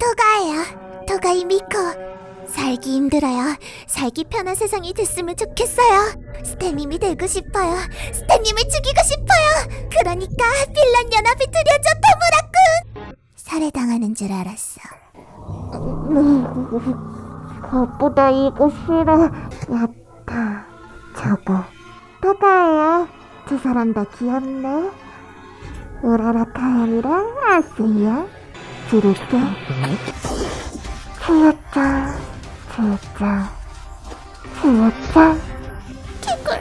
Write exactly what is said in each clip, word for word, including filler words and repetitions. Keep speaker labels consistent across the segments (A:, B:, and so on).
A: 토가예요. 토가이 미코. 살기 힘들어요. 살기 편한 세상이 됐으면 좋겠어요. 스테님이 되고 싶어요. 스테님을 죽이고 싶어요. 그러니까 빌런 연합이 두려져, 토무라군. 살해당하는 줄 알았어. 그것보다 이거 싫어. 야타. 저거 토가예요. 두 사람 다 귀엽네. 우라라 카연이랑 아스야. 지를게. 지였짱, 지였짱, 지였짱. 개꿀.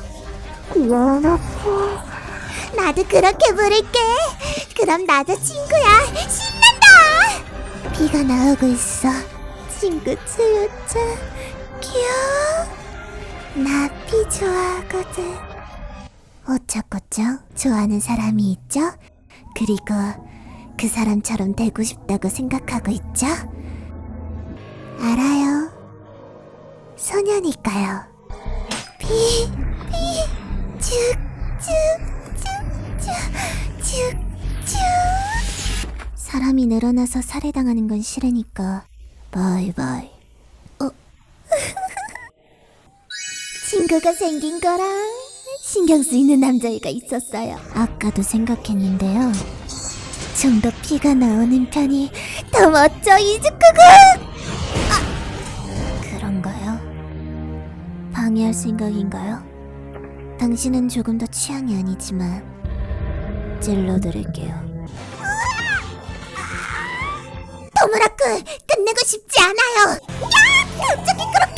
A: 귀여워놨지. 나도 그렇게 부를게. 그럼 나도 친구야. 신난다. 비가 나오고 있어. 친구 지였짱. 귀여워. 나 비 좋아하거든. 어쩌고저 좋아하는 사람이 있죠? 그리고 그 사람처럼 되고 싶다고 생각하고 있죠? 알아요. 소녀니까요. 비, 비, 쭉, 쭉, 쭉, 쭉, 쭉, 쭉. 사람이 늘어나서 살해당하는 건 싫으니까 바이바이. 어? 친구가 생긴 거랑 신경 쓰이는 남자애가 있었어요. 아까도 생각했는데요. 좀 더 피가 나오는 편이 더 멋져, 이즈쿠군! 아! 그런가요? 방해할 생각인가요? 당신은 조금 더 취향이 아니지만 찔러드릴게요. 토무라쿠, 끝내고 싶지 않아요. 야! 갑자기 그렇게